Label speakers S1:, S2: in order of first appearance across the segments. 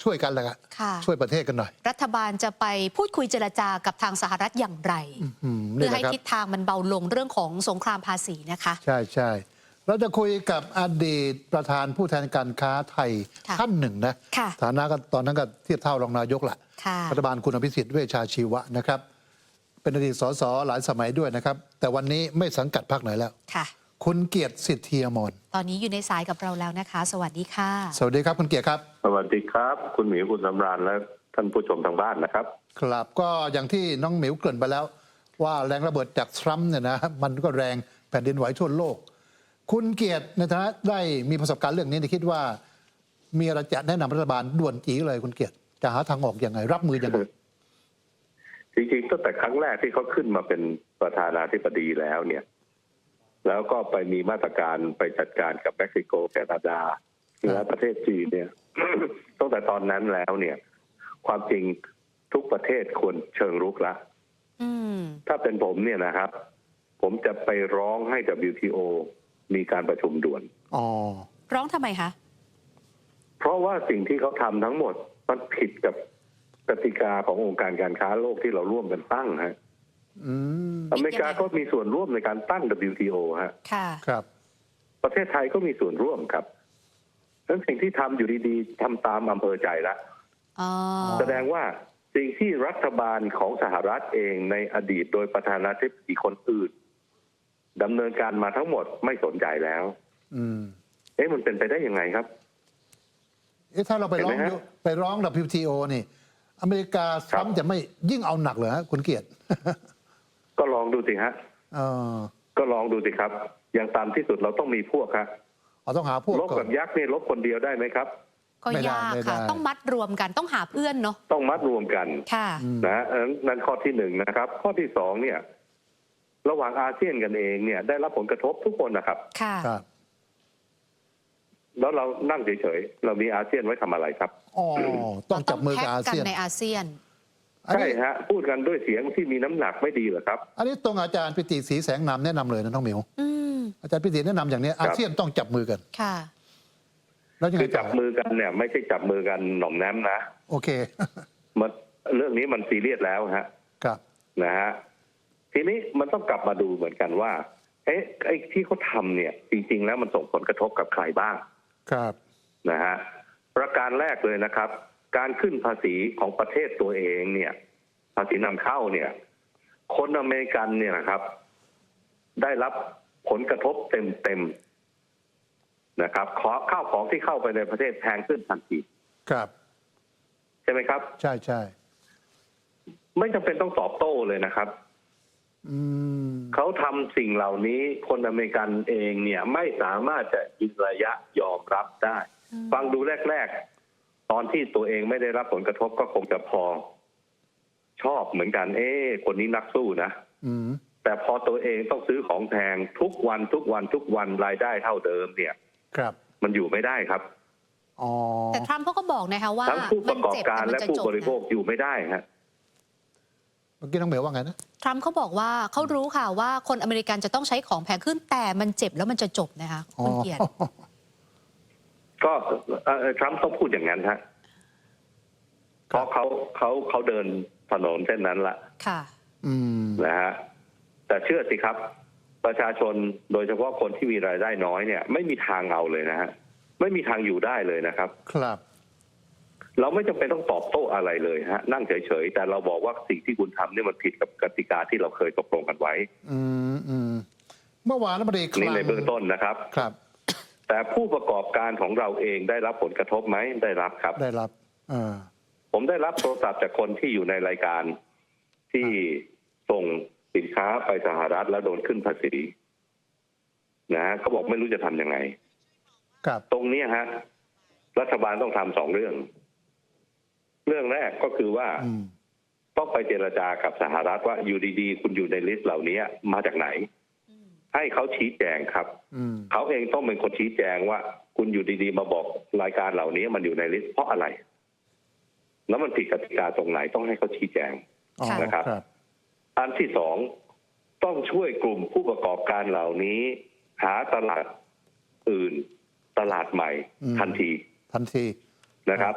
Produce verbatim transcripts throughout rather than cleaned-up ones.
S1: ช่วยกันแหละครับช่วยประเทศกันหน่อย
S2: รัฐบาลจะไปพูดคุยเจรจากับทางสหรัฐอย่างไรเพื่อให้ทิศทางมันเบาลงเรื่องของสงครามภาษีนะคะ
S1: ใช่ใช่เราจะคุยกับอดีตประธานผู้แทนการค้าไทยท่านหนึ่งนะฐานะก็ตอนนั้นก็เทียบเท่ารองนายกแหละรัฐบาลคุณอภิสิทธิ์เวชชาชีวะนะครับเป็นอดีตสสหลายสมัยด้วยนะครับแต่วันนี้ไม่สังกัดพรรคไหนแล้วคุณเกียรติสิทธิอมร
S2: ตอนนี้อยู่ในสายกับเราแล้วนะคะสวัสดีค่ะ
S1: สวัสดีครับคุณเกียรติครับ
S3: สวัสดีครับคุณหมิวคุณสำราญและท่านผู้ชมทางบ้านนะครับ
S1: ครับก็อย่างที่น้องหมิวเกริ่นไปแล้วว่าแรงระเบิดจากทรัมป์เนี่ยนะมันก็แรงแผ่นดินไหวทั่วโลกคุณเกียรติในฐานะได้มีประสบการณ์เรื่องนี้คิดว่ามีอะไรจะแนะนำรัฐบาลด่วนจีเลยคุณเกียรติจะหาทางออกอย่างไรรับมืออย่างไร
S3: จริงๆตั้งแต่ครั้งแรกที่เขาขึ้นมาเป็นประธานาธิบดีแล้วเนี่ยแล้วก็ไปมีมาตรการไปจัดการกับเม็กซิโกแคนาดาและประเทศจีนเนี่ยตั้งแต่ตอนนั้นแล้วเนี่ยความจริงทุกประเทศควรเชิงรุกละถ้าเป็นผมเนี่ยนะครับผมจะไปร้องให้ ดับเบิลยู ที โอ มีการประชุมด่วน
S1: อ๋อ
S2: ร้องทำไมคะ
S3: เพราะว่าสิ่งที่เขาทำทั้งหมดมันผิดกับกติกาขององค์การการค้าโลกที่เราร่วมกันตั้งฮะอเมริกาก็มีส่วนร่วมในการตั้ง ดับเบิลยู ที โอ ฮะ
S2: ค่ะ
S1: ครับ
S3: ประเทศไทยก็มีส่วนร่วมครับดังนั้นสิ่งที่ทำอยู่ดีๆทำตามอำเภอใจละแสดงว่าสิ่งที่รัฐบาลของสหรัฐเองในอดีตโดยประธานาธิบดีคนอื่นดำเนินการมาทั้งหมดไม่สนใจแล้ว
S1: อืม
S3: เอ๊ะมันเป็นไปได้ยังไงครับ
S1: เอ๊ะถ้าเราไปร้องไปร้อง ดับเบิลยู ที โอ นี่อเมริกาทรัมป์จะไม่ยิ่งเอาหนักเหรอฮะคุณเกียรติ
S3: ก็ลองดูสิฮะก็ลองดูสิครับอย่างตามที่สุดเราต้องมีพวกครับ
S1: เราต้องหาพวก
S3: ลบกับยักษ์นี่ลบคนเดียวได้ไหมครับ
S2: ก็ยากค่ะต้องมัดรวมกันต้องหาเพื่อนเนาะ
S3: ต้องมัดรวมกัน
S2: ค่ะ
S3: นะนั่นข้อที่หนึ่งนะครับข้อที่สองเนี่ยระหว่างอาเซียนกันเองเนี่ยได้รับผลกระทบทุกคนนะครับ
S2: ค่ะ
S3: แล้วเรานั่งเฉยๆเรามีอาเซียนไว้ทำอะไรครับ
S1: อ๋อต้องจับมือกับอาเซียน
S2: ในอาเซียน
S3: ใช่ฮะพูดกันด้วยเสียงที่มีน้ำหนักไม่ดีเหรอครับ
S1: อันนี้ตรงอาจารย์ปิติศรีแสงนามแนะนำเลยนะน้องหมิวอาจารย์ปิติแนะนำอย่างนี้อาเซียนต้องจับมือกัน
S2: ค่ะ
S1: แล้วยังไง
S3: คือจับมือกันเนี่ยไม่ใช่จับมือกันหน่อมแนมนะ
S1: โอเค
S3: มันเรื่องนี้มันซีเรียสแล้วฮะ
S1: ครับ
S3: นะฮะทีนี้มันต้องกลับมาดูเหมือนกันว่าเอ๊ะไอ้ที่เขาทำเนี่ยจริงๆแล้วมันส่งผลกระทบกับใครบ้าง
S1: ครับ
S3: นะฮะประการแรกเลยนะครับการขึ้นภาษีของประเทศตัวเองเนี่ยภาษีนำเข้าเนี่ยคนอเมริกันเนี่ยนะครับได้รับผลกระทบเต็มๆนะครับขอข้าวของที่เข้าไปในประเทศแพงขึ้นทันที
S1: ครับ
S3: ใช่ไหมครับ
S1: ใช่ใช่
S3: ไม่จำเป็นต้องตอบโต้เลยนะครับเขาทำสิ่งเหล่านี้คนอเมริกันเองเนี่ยไม่สามารถจะยืนระยะยอมรับได้ฟังดูแรกๆตอนที่ตัวเองไม่ได้รับผลกระทบก็คงจะพอชอบเหมือนกันเอ๊ะคนนี้นักสู้นะแต่พอตัวเองต้องซื้อของแพงทุกวันทุกวันทุกวันรายได้เท่าเดิมเนี่ย
S1: ครับ
S3: มันอยู่ไม่ได้ครับ
S2: แต่ทรัมป์เขาก็บอกนะคะว่า
S3: ทั้งผู้ประกอบการและผู้บริโภคอยู่ไม่ได้ฮะ
S1: เมื่อกี้น้องเหมียวว่าไงนะ
S2: ทรัมป์เขาบอกว่าเขารู้ค่ะว่าคนอเมริกันจะต้องใช้ของแพงขึ้นแต่มันเจ็บแล้วมันจะจบนะคะคุณเกียรติ
S3: ก็ทรัมป์ต้องพูดอย่างนั้นฮะเพราะเขาเขาเขาเดินถนนเส้นนั้นละ
S2: ค่ะ
S3: นะฮะแต่เชื่อสิครับประชาชนโดยเฉพาะคนที่มีรายได้น้อยเนี่ยไม่มีทางเอาเลยนะฮะไม่มีทางอยู่ได้เลยนะครับ
S1: ครับ
S3: เราไม่จำเป็นต้องตอบโต้อะไรเลยฮะนั่งเฉยๆแต่เราบอกว่าสิ่งที่คุณทำเนี่ยมันผิดกับกติกาที่เราเคยตกลงกันไว้
S1: อืมอืมเมื่อวานรัฐมนตรี
S3: คลังในเบื้องต้นนะครับ
S1: ครับ
S3: แต่ผู้ประกอบการของเราเองได้รับผลกระทบไหมได้รับครับ
S1: ได้รับอ่า
S3: ผมได้รับโทรศัพท์จากคนที่อยู่ในรายการที่ส่งสินค้าไปสหรัฐแล้วโดนขึ้นภาษีนะเขาบอกไม่รู้จะทำยังไง
S1: ครับ
S3: ตรงนี้ฮะรัฐบาลต้องทำสองเรื่องเรื่องแรกก็คือว่าต้องไปเจรจากับสหรัฐว่าอยู่ดีๆคุณอยู่ในลิสต์เหล่านี้มาจากไหนให้เขาชี้แจงครับเขาเองต้องเป็นคนชี้แจงว่าคุณอยู่ดีๆมาบอกรายการเหล่านี้มันอยู่ในลิสต์เพราะอะไรแล้วมันผิดกติกาตรงไหนต้องให้เขาชี้แจงนะครับอันที่สองต้องช่วยกลุ่มผู้ประกอบการเหล่านี้หาตลาดอื่นตลาดใหม่ทันที
S1: ทันที
S3: นะครับ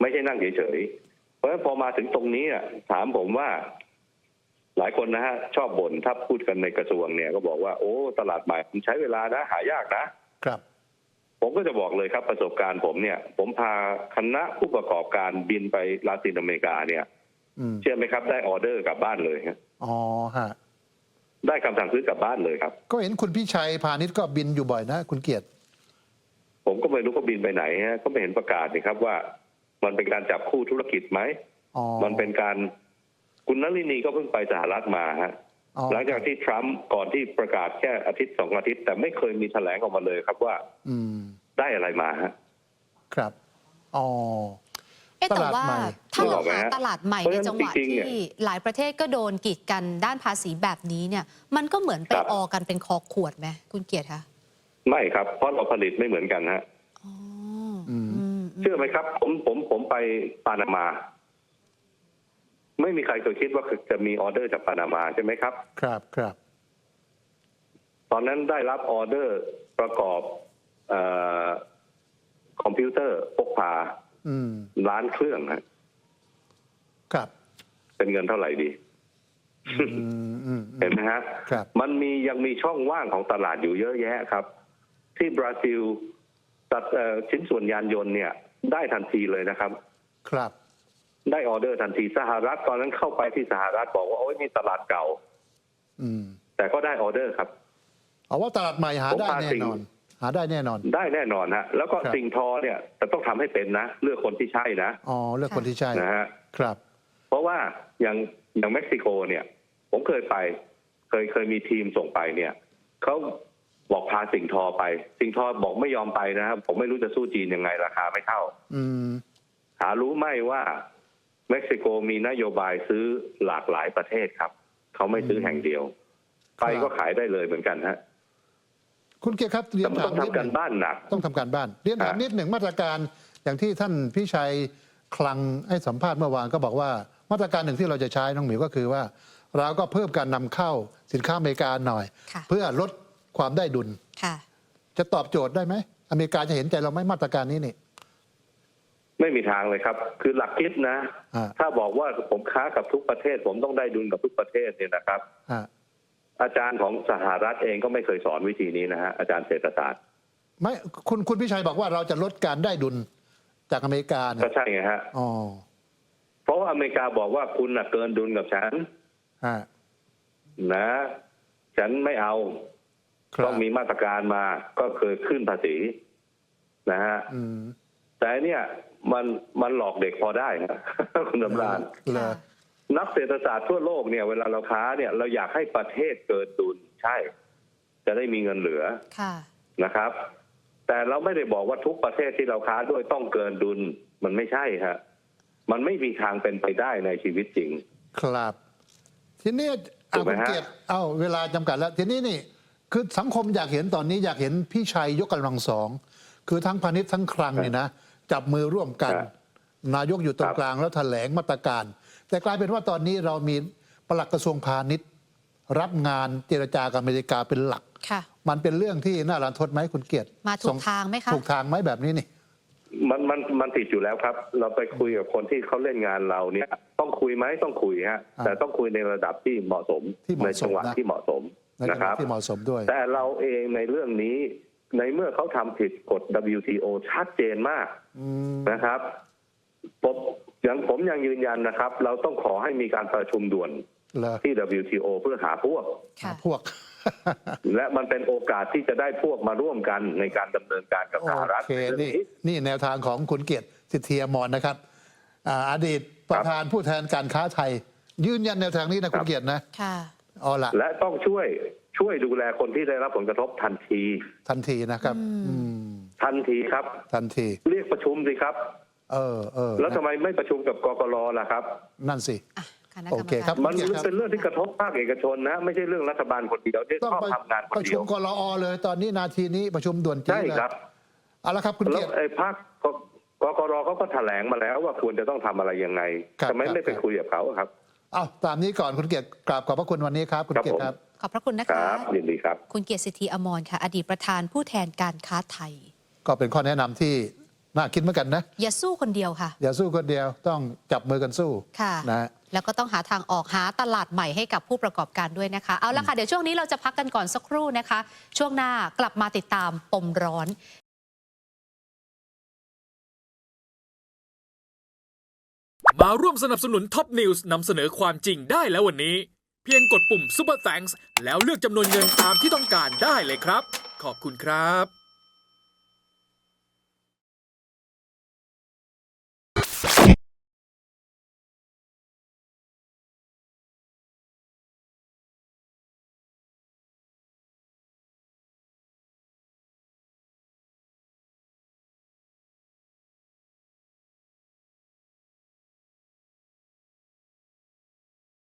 S3: ไม่ใช่นั่งเฉยๆเพราะฉะนั้นพอมาถึงตรงนี้อะถามผมว่าหลายคนนะฮะชอบบ่นถ้าพูดกันในกระทรวงเนี่ยก็บอกว่าโอ้ตลาดใหม่มันใช้เวลานะหายากนะครับ ผมก็จะบอกเลยครับประสบการณ์ผมเนี่ย ผมพาคณะผู้ประกอบการบินไปลาตินอเมริกาเนี่ย
S1: อืม
S3: เชื่อไหมครับได้ออเดอร์กลับบ้านเลยครับ
S1: อ๋อฮะ
S3: ได้คำสั่งซื้อกลับบ้านเลยครับ
S1: ก็เห็นคุณพี่ชัยพาณิชย์ก็บินอยู่บ่อยนะ คุณเกียรติ
S3: ผมก็ไม่รู้เขาบินไปไหนฮะก็ไม่เห็นประกาศนี่ครับว่ามันเป็นการจับคู่ธุรกิจไหม
S1: อ๋อ
S3: มันเป็นการคุณนลินีก็เพิ่งไปสหรัฐมาฮะ
S1: อ๋อ
S3: หลังจากที่ทรัมป์ก่อนที่ประกาศแค่อาทิตย์สองอาทิตย์แต่ไม่เคยมีแถลงออกมาเลยครับว่า
S1: อืม
S3: ได้อะไรมาฮะ
S1: ครับ อ๋อ
S2: เอ๊ะแต่ว่า
S1: ตลาดใหม่
S2: ถ้าเรา
S3: นึกออกไหม
S2: หา
S3: ฮะ
S2: ตลาดใหม่
S3: เพราะ
S2: ใน
S3: ฉะนั้น
S2: จังหวะ
S3: จริงๆเนี่
S2: ที่
S3: ย
S2: หลายประเทศก็โดนกีดกันด้านภาษีแบบนี้เนี่ย มันก็เหมือนไป
S3: ครับ
S2: ออกันเป็นคอขวดไหมคุณเกียรติคะ
S3: ไม่ครับเพราะเราผลิตไม่เหมือนกันฮะ
S2: อ๋อ
S1: อืม
S2: อืม
S3: เชื่อไหมครับ ผมผมผมไปปานามา ไม่มีใครเคยคิดว่าจะมีออเดอร์จากปานามาใช่ไหมครับ
S1: ครับ ครับ
S3: ตอนนั้นได้รับออเดอร์ประกอบเออคอมพิวเตอร์พกพา
S1: อืม
S3: ล้านเครื่องฮะ
S1: ครับ
S3: เป็นเงินเท่าไหร่ดี
S1: อืม อืม
S3: เห็นไหมฮะ
S1: ครับ
S3: มันมียังมีช่องว่างของตลาดอยู่เยอะแยะครับ ที่บราซิลตัดเอ่อชิ้นส่วนยานยนต์เนี่ย ได้ทันทีเลยนะครับ
S1: ครับ
S3: ได้ออเดอร์ทันทีสหรัฐตอนนั้นเข้าไปที่สหรัฐบอกว่าโอ้ยมีตลาดเก่า
S1: อืม
S3: แต่ก็ได้ออเดอร์ครับ
S1: เอาว่าตลาดใหม่หา
S3: ผม
S1: ได้
S3: พา
S1: แน่
S3: สิ่ง
S1: นอน หาได้แน่นอน
S3: ได้แน่นอนฮะแล้วก็
S1: ครับ
S3: สิ่งทอเนี่ยแต่ต้องทำให้เป็นนะเลือกคนที่ใช่นะ
S1: อ๋อ เลือกคนที่ใช่
S3: นะฮะ
S1: ครับ
S3: เพราะว่าอย่างอย่างเม็กซิโกเนี่ย ผมเคยไป เคยเคยมีทีมส่งไปเนี่ยเขาบอกพาสิ่งทอไป สิ่งทอบอกไม่ยอมไปนะครับผมไม่รู้จะสู้จีนยังไงราคาไม่เท่า
S1: อืม
S3: หารู้ไหมว่าเม็กซิโกมีนโยบายซื้อหลากหลายประเทศครับเขาไม่ซื้อแห่งเดียว ไปก็ขายได้เลยเหมือนกันฮะ
S1: คุณเกียรติครับเรีย
S3: แต่
S1: น
S3: มัน
S1: ถา
S3: ต้
S1: ม
S3: อง
S1: นิด
S3: ทำ
S1: ห
S3: กั
S1: นึ่
S3: น
S1: ง
S3: บ้านหนัก
S1: ต้องทำการบ้าน เรียนถาม
S3: ฮะ
S1: นิดหนึ่งมาตรการอย่างที่ท่านพี่ชัยคลังให้สัมภาษณ์เมื่อวานก็บอกว่ามาตรการหนึ่งที่เราจะใช้น้องหมิวก็คือว่าเราก็เพิ่มการนำเข้าสินค้าอเมริกาหน่อย
S2: ค่ะ
S1: เพื่อลดความได้ดุล
S2: ค่ะ
S1: จะตอบโจทย์ได้ไหมอเมริกาจะเห็นใจเราไหมมาตรการนี้นี่
S3: ไม่มีทางเลยครับ คือหลักคิดนะ
S1: อ่า
S3: ถ้าบอกว่าผมค้ากับทุกประเทศ ผมต้องได้ดุลกับทุกประเทศเนี่ยนะครับ
S1: อ่า
S3: อาจารย์ของสหรัฐเองก็ไม่เคยสอนวิธีนี้นะฮะอาจารย์เศรษฐศาสตร์
S1: ไม่คุณคุณพี่ชัยบอกว่าเราจะลดการได้ดุลจากอเมริกาเนี่
S3: ก็
S1: ย
S3: ใช่ไงฮะ
S1: อ๋อ
S3: เพราะว่าอเมริกาบอกว่าคุณน่ะเกินดุลกับฉัน
S1: ฮะ
S3: นะ ฉันไม่เอา
S1: ครับ
S3: ต้องมีมาตรการมาก็เคยขึ้นภาษีนะฮะ
S1: อืม
S3: แต่เนี่ยมันมันหลอกเด็กพอได้นะ คุณดำราน
S1: เลย
S3: นักเศรษฐศาสตร์ทั่วโลกเนี่ยเวลาเราค้าเนี่ยเราอยากให้ประเทศเกิดดุลใช่ จะได้มีเงินเหลือ
S2: ค่ะ
S3: นะครับ แต่เราไม่ได้บอกว่าทุกประเทศที่เราค้าด้วยต้องเกินดุลมันไม่ใช่ฮะมันไม่มีทางเป็นไปได้ในชีวิตจริง
S1: ครับ ทีนี้
S3: ถู
S1: เอา
S3: กไหม
S1: คุณ
S3: ฮะ
S1: เกียรติเอาเวลาจำกัดแล้ว ทีนี้นี่ คือสังคมอยากเห็นตอนนี้อยากเห็นพี่ชัยยกกำลังสอง คือทั้งพาณิชย์ทั้งคลังเนี่ยนะ จับมือร่วมกัน
S3: ครับ
S1: นายกอยู่ตรง
S3: ครับ
S1: กลางแล้วแถลงมาตรการ แต่กลายเป็นว่าตอนนี้เรามีปลัดกระทรวงพาณิชย์ รับงานเจรจากับอเมริกาเป็นหลัก
S2: ค่ะ
S1: มันเป็นเรื่องที่น่ารันทดไหมคุณเกียรติ
S2: มาถูกทางไหมคะ
S1: ถูกทางไหมแบบนี้นี่
S3: มันมันมันติดอยู่แล้วครับ เราไปคุยกับคนที่เขาเล่นงานเราเนี่ย ต้องคุยไหมต้องคุยฮะ
S1: อ่า
S3: แต่ต้องคุยในระดับที่เหมาะสม
S1: ที่เหมาะ
S3: ในจังหวะ
S1: สมนะ
S3: ที่เหมาะสม
S1: ในจั
S3: นะ
S1: งห
S3: ครั
S1: วะ
S3: บ
S1: ที่เหมาะสมด้วย
S3: แต่เราเองในเรื่องนี้ในเมื่อเขาทำผิดกฎ ดับเบิลยู ที โอ ชัดเจนมาก
S1: อืม
S3: นะครับผมอย่างผมยังยืนยันนะครับ เราต้องขอให้มีการประชุมด่วน
S1: เหรอ
S3: ที่ ดับเบิลยู ที โอ เพื่อหาพวก
S2: ค่ะ
S1: พวก
S3: และมันเป็นโอกาสที่จะได้พวกมาร่วมกันในการดำเนินการกับสหรัฐ
S1: โอเค
S3: ในเรื่อง
S1: นี่
S3: นี้
S1: นี่แนวทางของคุณเกียรติสิทธิอมรนะครับอ่าอดีตประธานผู้แทนการค้าไทย ยืนยันแนวทางนี้นะคุณเกียรตินะ
S2: ค่ะ
S1: เอาละ
S3: และต้องช่วยช่วยดูแลคนที่ได้รับผลกระทบทันที
S1: ทันทีนะครับ อืม
S3: ทันทีครับ
S1: ทันที
S3: เรียกประชุมสิครับ
S1: เออเออ
S3: แล้วทำไมไม่ประชุมกับกกรล่ะครับ
S1: นั่นสิ
S2: อ่ะคณะกรรม
S1: โอเคครับ
S2: การ
S3: มันเป็นเรื่องที่กระทบภาคเอกชนนะ ไม่ใช่เรื่องรัฐบาลคนเดียวที่
S1: ต้อง
S3: ชอบ
S1: ไป
S3: ทำงานค
S1: ป
S3: น
S1: ระ
S3: เดี
S1: ชุ
S3: ย
S1: ม
S3: ว
S1: กรอเลย ตอนนี้นาทีนี้ประชุมด่วนจริง
S3: ใช่
S1: เลย
S3: ครับ
S1: เอาละครับคุณ
S3: แล้
S1: เกี
S3: วย
S1: รติ
S3: ไอ้ภาคกกกรเขาก็แถลงมาแล้วว่าควรจะต้องทำอะไรยังไง
S1: ครับ
S3: ทำไม
S1: ครับ
S3: ไม่ไป
S1: ครับ
S3: คุยกับเขาครับ
S1: เอาตามนี้ก่อนคุณเกียรติกราบขอบพระคุณวันนี้ครับคุณ
S3: ครับ
S1: เกียรติ
S3: ผม
S1: ครับ
S2: ขอบพระคุณนะ
S3: ค
S2: คะ
S3: รับยินดีครับ
S2: คุณเกียรติสิทธิอมรค่ะ อดีตประธานผู้แทนการค้าไทย
S1: ก็เป็นข้อแนะนำที่น่าคิดเหมือนกันนะ
S2: อย่าสู้คนเดียวค่ะ
S1: อย่าสู้คนเดียวต้องจับมือกันสู้
S2: ค่ะ
S1: นะ
S2: แล้วก็ต้องหาทางออกหาตลาดใหม่ให้กับผู้ประกอบการด้วยนะคะเอาละค่ะเดี๋ยวช่วงนี้เราจะพักกันก่อนสักครู่นะคะ ช่วงหน้ากลับมาติดตามปมร้อน
S4: มาร่วมสนับสนุนท็อปนิวส์นำเสนอความจริงได้แล้ววันนี้ เพียงกดปุ่ม Super Thanks แล้วเลือกจำนวนเงินตามที่ต้องการได้เลยครับ ขอบคุณครับ